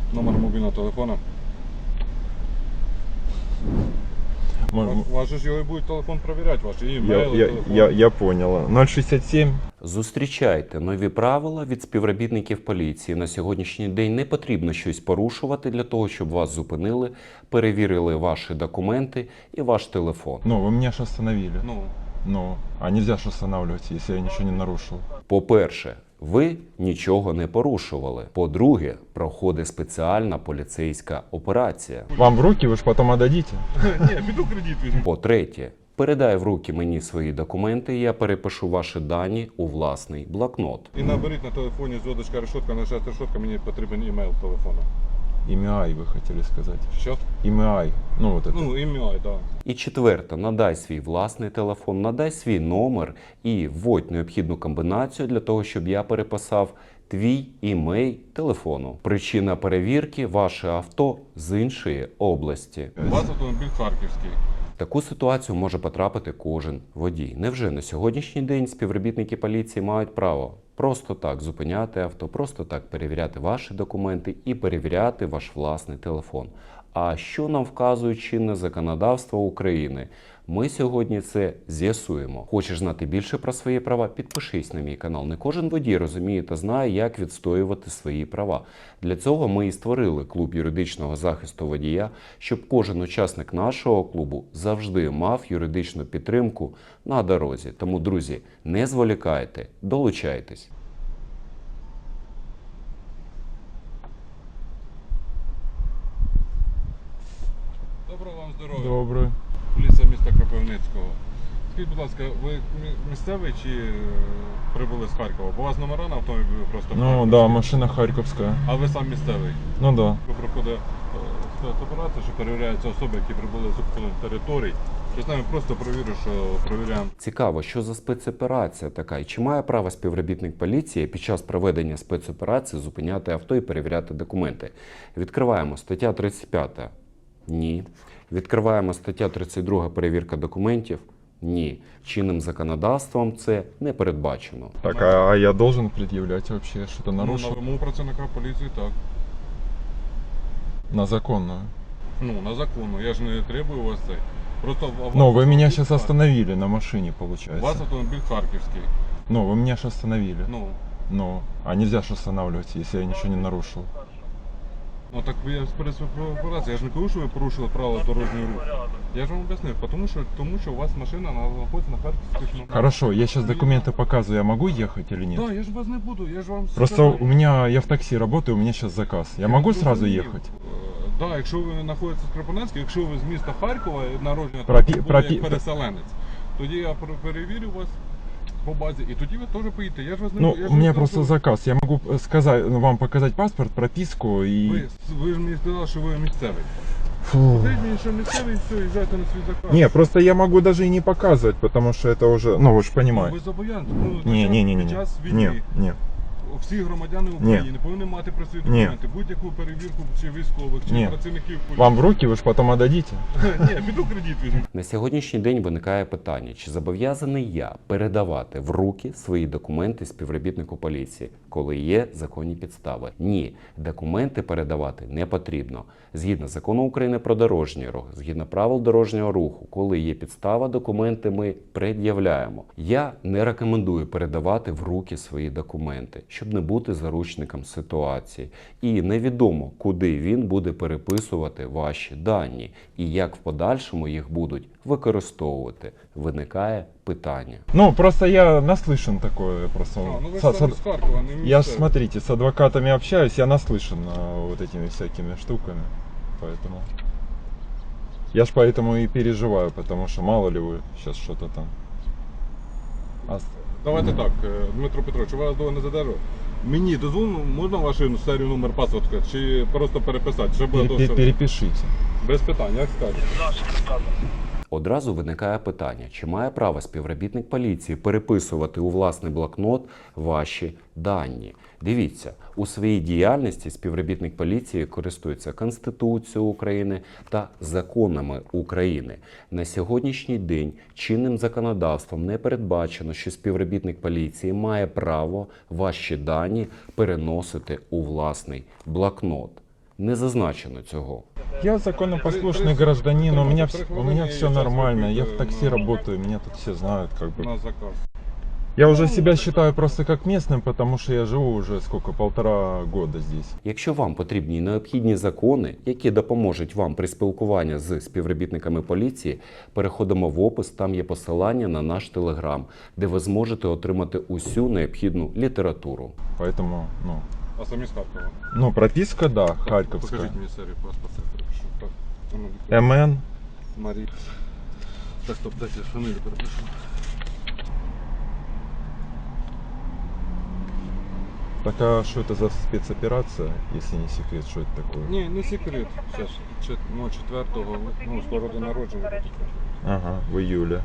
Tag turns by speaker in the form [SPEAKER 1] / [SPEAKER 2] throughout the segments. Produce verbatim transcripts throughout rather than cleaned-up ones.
[SPEAKER 1] Номер мобільного телефона.
[SPEAKER 2] М- м-
[SPEAKER 1] Ваш же ж його і будуть телефон перевіряти, ваші
[SPEAKER 2] Я,
[SPEAKER 1] імейли,
[SPEAKER 2] я,
[SPEAKER 1] телефон.
[SPEAKER 2] я, я понял. ноль шестьдесят семь.
[SPEAKER 3] Зустрічайте нові правила від співробітників поліції. На сьогоднішній день не потрібно щось порушувати для того, щоб вас зупинили, перевірили ваші документи і ваш телефон.
[SPEAKER 2] Ну, вы меня же остановили.
[SPEAKER 1] Ну,
[SPEAKER 2] Ну, а нельзя же останавливать, если я ничего не нарушил.
[SPEAKER 3] По-перше, ви нічого не порушували. По-друге, проходить спеціальна поліцейська операція.
[SPEAKER 2] Вам в руки вы же потом отдадите?
[SPEAKER 1] ні, піду кредит візьму.
[SPEAKER 3] По-третє, передай в руки мені свої документи, і я перепишу ваші дані у власний блокнот.
[SPEAKER 1] І наберіть на телефоні зв'язочка решетка, нажать решетка, мені потрібен імейл телефону.
[SPEAKER 2] ИМИАЙ вы хотели сказать.
[SPEAKER 1] Що?
[SPEAKER 2] ИМИАЙ. Ну, вот это.
[SPEAKER 1] Ну, імейл, так. Да.
[SPEAKER 3] І четверте, надай свій власний телефон, надай свій номер і вводь необхідну комбінацію для того, щоб я переписав твій імей телефону. Причина перевірки – ваше авто з іншої області.
[SPEAKER 1] У вас автомобіль харківський.
[SPEAKER 3] В таку ситуацію може потрапити кожен водій. Невже на сьогоднішній день співробітники поліції мають право просто так зупиняти авто, просто так перевіряти ваші документи і перевіряти ваш власний телефон? А що нам вказує чинне законодавство України? Ми сьогодні це з'ясуємо. Хочеш знати більше про свої права? Підпишись на мій канал. Не кожен водій розуміє та знає, як відстоювати свої права. Для цього ми і створили клуб юридичного захисту водія, щоб кожен учасник нашого клубу завжди мав юридичну підтримку на дорозі. Тому, друзі, не зволікайте, долучайтесь.
[SPEAKER 1] Доброго вам здоров'я.
[SPEAKER 2] Добрый.
[SPEAKER 1] Поліція міста Кропивницького. Скажіть, будь ласка, ви мі- місцевий чи е, прибули з Харкова? Бо у вас номера на автомобілі просто
[SPEAKER 2] Ну,
[SPEAKER 1] харківські.
[SPEAKER 2] да, машина харьковская.
[SPEAKER 1] А ви сам місцевий?
[SPEAKER 2] Ну, да.
[SPEAKER 1] Ви проходить операція, що перевіряються особи, які прибули з окупованих територій. Я з нами просто провірю, що перевіряємо.
[SPEAKER 3] Цікаво, що за спецоперація така, і чи має право співробітник поліції під час проведення спецоперації зупиняти авто і перевіряти документи? Відкриваємо стаття тридцять п'ята. Ні. Відкриваємо стаття тридцять друга перевірка документів. Ні. Чинним законодавством це не передбачено.
[SPEAKER 2] Так, а, а я должен предъявлять вообще что-то
[SPEAKER 1] Ну,
[SPEAKER 2] нарушил?
[SPEAKER 1] на вимогу працівника поліції так.
[SPEAKER 2] На законную.
[SPEAKER 1] Ну, на законну. Я ж не требую у вас цей. Просто а у вас
[SPEAKER 2] Ну, вы меня
[SPEAKER 1] автомобіль
[SPEAKER 2] сейчас
[SPEAKER 1] хар-
[SPEAKER 2] остановили на машине,
[SPEAKER 1] У
[SPEAKER 2] получается.
[SPEAKER 1] вас автомобіль харківський.
[SPEAKER 2] Ну, вы меня же остановили.
[SPEAKER 1] Ну,
[SPEAKER 2] Ну, а нельзя же останавливать, если я ничего не нарушил.
[SPEAKER 1] ну так я перед операцією, я ж не кажу, що ви порушили правила дорожнього руху. Я ж вам об'яснив, тому що, тому що у вас машина знаходиться на харківських номерах.
[SPEAKER 2] Хорошо, я сейчас документы показываю, я могу ехать или нет?
[SPEAKER 1] Так, я ж вас не буду, я ж вам
[SPEAKER 2] Просто
[SPEAKER 1] сказав.
[SPEAKER 2] у меня, я в таксі работаю, у меня сейчас заказ. Я могу сразу
[SPEAKER 1] зрозумів.
[SPEAKER 2] ехать?
[SPEAKER 1] Так, якщо ви знаходитесь в Кропивницькому, якщо ви з міста Харкова, народження
[SPEAKER 2] Пропі-
[SPEAKER 1] там,
[SPEAKER 2] пропі-
[SPEAKER 1] як переселенець, тоді я пер- перевірю вас по базі, і тоді ви теж поїдете. Я ж вас не
[SPEAKER 2] Ну,
[SPEAKER 1] я ж
[SPEAKER 2] у меня
[SPEAKER 1] вас
[SPEAKER 2] просто
[SPEAKER 1] кажу,
[SPEAKER 2] заказ. Я могу э, сказать, ну, вам показать паспорт, прописку и...
[SPEAKER 1] Ви, ви ж мені сказали, що ви місцевий.
[SPEAKER 2] Фу.
[SPEAKER 1] Скажіть мені, що місцевий, і все, їжджайте на свій заказ.
[SPEAKER 2] Не, просто я могу даже и не показывать, потому что это уже, ну вы же
[SPEAKER 1] Ну,
[SPEAKER 2] понимаете.
[SPEAKER 1] ви зобов'язані. Ну,
[SPEAKER 2] Не,
[SPEAKER 1] під
[SPEAKER 2] не,
[SPEAKER 1] час-
[SPEAKER 2] не, не,
[SPEAKER 1] під
[SPEAKER 2] не,
[SPEAKER 1] час війни
[SPEAKER 2] не, не,
[SPEAKER 1] всі громадяни України повинні мати при собі
[SPEAKER 2] Ні.
[SPEAKER 1] документи. Будь-яку перевірку чи військових, чи
[SPEAKER 2] Ні.
[SPEAKER 1] працівників поліції.
[SPEAKER 2] Вам в руки вы же потом отдадите.
[SPEAKER 1] Ні, піду кредит візьму.
[SPEAKER 3] На сьогоднішній день виникає питання, чи зобов'язаний я передавати в руки свої документи співробітнику поліції, коли є законні підстави? Ні, документи передавати не потрібно. Згідно закону України про дорожній рух, згідно правил дорожнього руху, коли є підстава, документи ми пред'являємо. Я не рекомендую передавати в руки свої документи, щоб не бути заручником ситуації. І невідомо, куди він буде переписувати ваші дані і як в подальшому їх будуть використовувати. Виникає питання.
[SPEAKER 2] Ну, просто я наслышан такое, просто...
[SPEAKER 1] А, ну ви
[SPEAKER 2] Со-
[SPEAKER 1] ж
[SPEAKER 2] со-
[SPEAKER 1] з Харкова, не
[SPEAKER 2] Я ж,
[SPEAKER 1] місцевий.
[SPEAKER 2] смотрите, с адвокатами общаюсь, я наслышан а, вот этими всякими штуками, поэтому... Я ж поэтому и переживаю, потому что мало ли вы сейчас что-то там... А-
[SPEAKER 1] Давайте так, е, Дмитро Петрович, я вас довго не задержу. Мені дозволено, можна вашу серію номер паспорта, чи просто переписати? Щоб було
[SPEAKER 2] Пере-
[SPEAKER 1] довше?
[SPEAKER 2] Перепишите.
[SPEAKER 1] Без питань, як скажете.
[SPEAKER 3] Одразу виникає питання, чи має право співробітник поліції переписувати у власний блокнот ваші дані. Дивіться, у своїй діяльності співробітник поліції користується Конституцією України та законами України. На сьогоднішній день чинним законодавством не передбачено, що співробітник поліції має право ваші дані переносити у власний блокнот. не зазначено цього.
[SPEAKER 2] Я законопослушный гражданин, у меня, вс- у меня все нормально, я в такси работаю, меня тут все знают, как бы.
[SPEAKER 1] На заказ.
[SPEAKER 2] Я уже себя считаю просто как местным, потому что я живу уже сколько, полтора года здесь.
[SPEAKER 3] Якщо вам потрібні й необхідні закони, які допоможуть вам при спілкуванні з співробітниками поліції, переходимо в опис, там є посилання на наш телеграм, де ви зможете отримати усю необхідну літературу.
[SPEAKER 2] Поэтому, ну,
[SPEAKER 1] А самі з Харкова.
[SPEAKER 2] ну прописка, да, харьковская.
[SPEAKER 1] Покажіть мені серію паспорта, я перепишу. Так, а ну,
[SPEAKER 2] МН,
[SPEAKER 1] Марі. Так, стоп, дайте я фамілію перепишу.
[SPEAKER 2] так а что это за спецоперация, если не секрет, что это такое?
[SPEAKER 1] Ні, не секрет. Зараз, чет- ну, четвертого, ну, скоро до народження. буде.
[SPEAKER 2] Ага, в июле.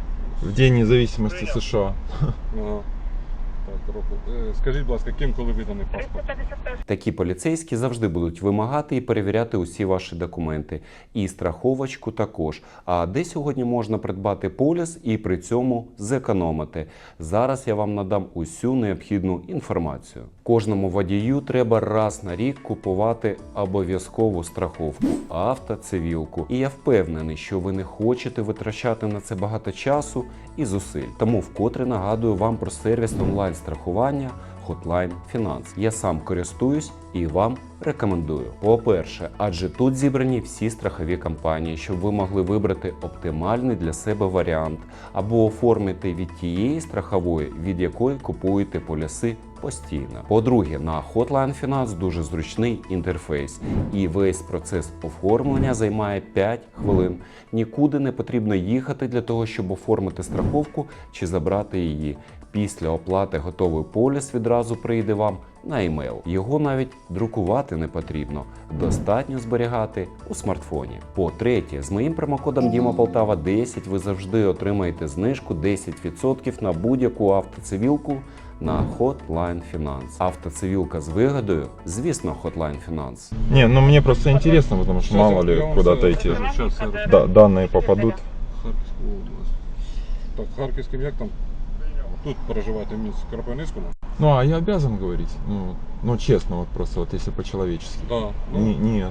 [SPEAKER 2] В День независимости США.
[SPEAKER 1] Ага. Так, року. Е, Скажіть, будь ласка, ким коли виданий паспорт?
[SPEAKER 3] Такі поліцейські завжди будуть вимагати і перевіряти усі ваші документи. І страховочку також. А де сьогодні можна придбати поліс і при цьому зекономити? Зараз я вам надам усю необхідну інформацію. Кожному водію треба раз на рік купувати обов'язкову страховку – автоцивілку. І я впевнений, що ви не хочете витрачати на це багато часу і зусиль. Тому вкотре нагадую вам про сервіс онлайн-страхування Hotline Finance. Я сам користуюсь і вам рекомендую. По-перше, адже тут зібрані всі страхові компанії, щоб ви могли вибрати оптимальний для себе варіант або оформити від тієї страхової, від якої купуєте поліси постійно. По-друге, на Hotline Finance дуже зручний інтерфейс, і весь процес оформлення займає п'ять хвилин. Нікуди не потрібно їхати для того, щоб оформити страховку чи забрати її. Після оплати готовий поліс відразу прийде вам на емейл. Його навіть друкувати не потрібно. Достатньо зберігати у смартфоні. По-третє, з моїм промокодом Діма Полтава десять ви завжди отримаєте знижку десять відсотків на будь-яку автоцивілку на Hotline Finance. Автоцивілка з вигодою, звісно, Hotline Finance.
[SPEAKER 2] Не, ну мне просто интересно, потому что
[SPEAKER 1] Щас
[SPEAKER 2] мало
[SPEAKER 1] я- я
[SPEAKER 2] ли
[SPEAKER 1] вам
[SPEAKER 2] куда-то
[SPEAKER 1] все
[SPEAKER 2] эти
[SPEAKER 1] розкажу, щас все розкажу.
[SPEAKER 2] да- данные попадут.
[SPEAKER 1] Харківську область. Так, Харківським як там? Тут проживаєте в місті Кропивницькому?
[SPEAKER 2] Ну, а я обязан говорить? Ну, ну честно, вот просто вот если по-человечески.
[SPEAKER 1] Так. Ну,
[SPEAKER 2] Не- нет.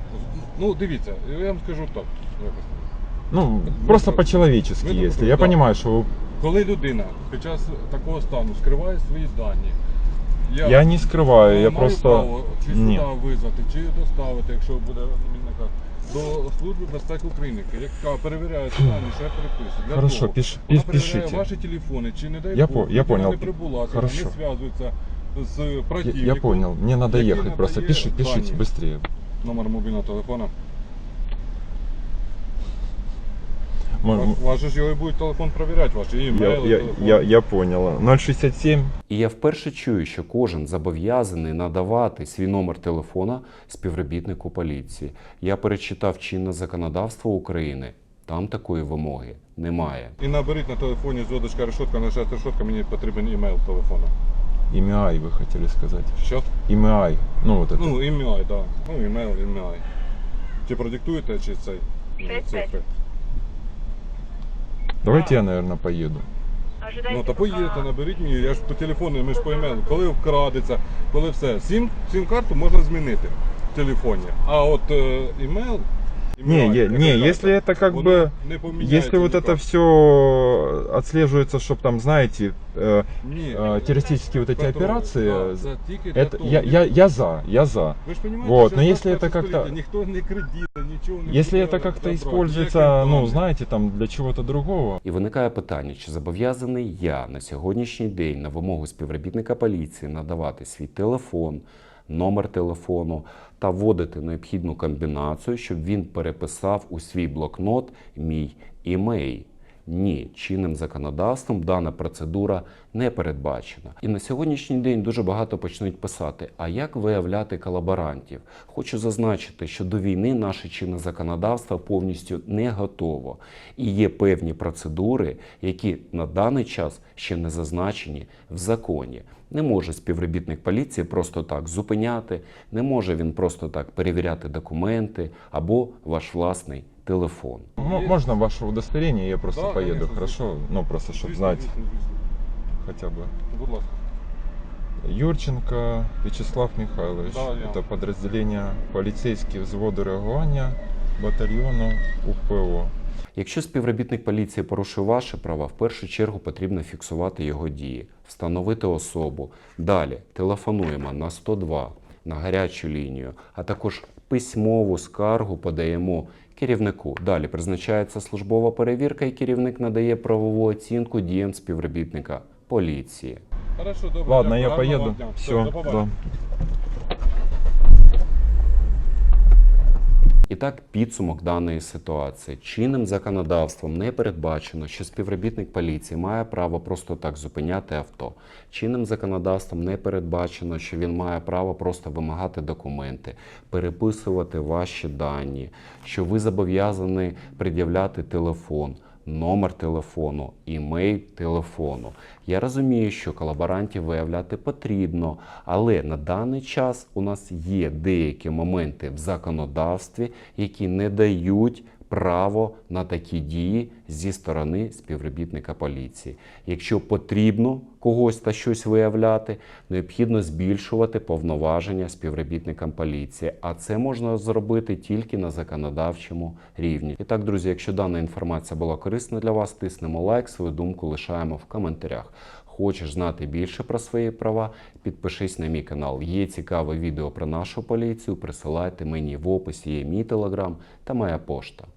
[SPEAKER 1] ну, дивіться, я вам скажу так. якось.
[SPEAKER 2] Ну, просто
[SPEAKER 1] про-
[SPEAKER 2] по-человечески,
[SPEAKER 1] ми про-
[SPEAKER 2] если. Я
[SPEAKER 1] да.
[SPEAKER 2] понимаю, что вы-
[SPEAKER 1] Коли людина під час такого стану скриває свої дані,
[SPEAKER 2] я не скрываю, я
[SPEAKER 1] маю
[SPEAKER 2] просто...
[SPEAKER 1] право чи сюди
[SPEAKER 2] Ні.
[SPEAKER 1] визвати, чи доставити, якщо буде мінника, до Служби безпеки України, яка перевіряє ці дані, що я переписую. Для
[SPEAKER 2] Хорошо,
[SPEAKER 1] того,
[SPEAKER 2] пиш-
[SPEAKER 1] вона
[SPEAKER 2] пиш-
[SPEAKER 1] перевіряє
[SPEAKER 2] пишите.
[SPEAKER 1] ваші телефони, чи не дай
[SPEAKER 2] Я
[SPEAKER 1] Бог,
[SPEAKER 2] по- я
[SPEAKER 1] людина
[SPEAKER 2] понял.
[SPEAKER 1] не прибула, чи
[SPEAKER 2] Хорошо.
[SPEAKER 1] не зв'язується з
[SPEAKER 2] Я,
[SPEAKER 1] противником.
[SPEAKER 2] я понял, мне надо
[SPEAKER 1] який
[SPEAKER 2] ехать, просто
[SPEAKER 1] надає
[SPEAKER 2] пиши, пишите
[SPEAKER 1] дані.
[SPEAKER 2] быстрее.
[SPEAKER 1] Номер мобільного телефона.
[SPEAKER 2] М- м-
[SPEAKER 1] Ваш же ж його і буде телефон перевіряти, ваші
[SPEAKER 2] Я,
[SPEAKER 1] імейли,
[SPEAKER 2] я,
[SPEAKER 1] телефон.
[SPEAKER 2] я, я понял. ноль шестьдесят семь.
[SPEAKER 3] І я вперше чую, що кожен зобов'язаний надавати свій номер телефона співробітнику поліції. Я перечитав чинне законодавство України. Там такої вимоги немає.
[SPEAKER 1] І наберіть на телефоні зв'язочка решетка, нажати решетка, мені потрібен імейл телефона.
[SPEAKER 2] Ім'я вы хотели сказать.
[SPEAKER 1] Що?
[SPEAKER 2] Ім'я. Ну, вот это.
[SPEAKER 1] Ну, імейл, так. Да. Ну, імейл, імейл. Чи продиктуєте, чи цей ну, цифри?
[SPEAKER 2] Давайте я, наверное, поеду.
[SPEAKER 1] Ну, та поїдете, наберіть мені, я ж по телефону, ми ж по імейлу. Коли вкрадеться, коли все. Сім, сім-карту можна змінити в телефоні. А от е, імейл...
[SPEAKER 2] Не,
[SPEAKER 1] імейл,
[SPEAKER 2] я-
[SPEAKER 1] яка
[SPEAKER 2] не,
[SPEAKER 1] карта,
[SPEAKER 2] если это как
[SPEAKER 1] воно
[SPEAKER 2] бы-
[SPEAKER 1] не поміняється
[SPEAKER 2] Если вот
[SPEAKER 1] ніяк.
[SPEAKER 2] это все отслеживается, чтобы там, знаете, э,
[SPEAKER 1] Ні.
[SPEAKER 2] э, террористические вот эти
[SPEAKER 1] Петро,
[SPEAKER 2] операции,
[SPEAKER 1] да, це тільки для
[SPEAKER 2] это
[SPEAKER 1] того.
[SPEAKER 2] я, я, я за, я за.
[SPEAKER 1] Ви ж розумієте,
[SPEAKER 2] Вот,
[SPEAKER 1] що
[SPEAKER 2] но
[SPEAKER 1] в
[SPEAKER 2] если это
[SPEAKER 1] двадцять перше
[SPEAKER 2] как-то-
[SPEAKER 1] століття ніхто не кредити, нічого не
[SPEAKER 2] Если
[SPEAKER 1] буде
[SPEAKER 2] это как-то
[SPEAKER 1] забрати,
[SPEAKER 2] используется,
[SPEAKER 1] ніяких
[SPEAKER 2] ну,
[SPEAKER 1] даних.
[SPEAKER 2] знаете, там для чего-то другого.
[SPEAKER 3] І виникає питання, чи зобов'язаний я на сьогоднішній день на вимогу співробітника поліції надавати свій телефон, номер телефону та вводити необхідну комбінацію, щоб він переписав у свій блокнот мій імейл. Ні, чинним законодавством дана процедура не передбачена. І на сьогоднішній день дуже багато почнуть писати, а як виявляти колаборантів? Хочу зазначити, що до війни наше чинне законодавство повністю не готово. І є певні процедури, які на даний час ще не зазначені в законі. Не може співробітник поліції просто так зупиняти, не може він просто так перевіряти документи або ваш власний телефон.
[SPEAKER 2] М- Можно ваше удостоверение, я просто
[SPEAKER 1] Да,
[SPEAKER 2] поеду,
[SPEAKER 1] конечно,
[SPEAKER 2] хорошо? Ну, просто, чтобы
[SPEAKER 1] Звісно,
[SPEAKER 2] знать
[SPEAKER 1] звісно, звісно.
[SPEAKER 2] хотя бы.
[SPEAKER 1] Будь ласка.
[SPEAKER 2] Юрченко Вячеслав Михайлович.
[SPEAKER 1] Да, я.
[SPEAKER 2] Это подразделение полицейские взводы реагування батальйону УПО.
[SPEAKER 3] Якщо співробітник поліції порушує ваші права, в першу чергу потрібно фіксувати його дії, встановити особу. Далі телефонуємо на сто два, на гарячу лінію, а також письмову скаргу подаємо керівнику. Далі призначається службова перевірка і керівник надає правову оцінку діям співробітника поліції.
[SPEAKER 1] Хорошо, добре.
[SPEAKER 2] Ладно, я
[SPEAKER 1] дякую, гарного
[SPEAKER 2] поеду.
[SPEAKER 1] дня.
[SPEAKER 2] Все,
[SPEAKER 1] до побачення.
[SPEAKER 2] да.
[SPEAKER 3] І так, підсумок даної ситуації. Чинним законодавством не передбачено, що співробітник поліції має право просто так зупиняти авто. Чинним законодавством не передбачено, що він має право просто вимагати документи, переписувати ваші дані, що ви зобов'язані пред'являти телефон, номер телефону, імейл телефону. Я розумію, що колаборантів виявляти потрібно, але на даний час у нас є деякі моменти в законодавстві, які не дають право на такі дії зі сторони співробітника поліції. Якщо потрібно когось та щось виявляти, необхідно збільшувати повноваження співробітникам поліції, а це можна зробити тільки на законодавчому рівні. І так, друзі, якщо дана інформація була корисна для вас, тиснемо лайк, свою думку лишаємо в коментарях. Хочеш знати більше про свої права? Підпишись на мій канал. Є цікаве відео про нашу поліцію, присилайте мені в описі, є мій телеграм та моя пошта.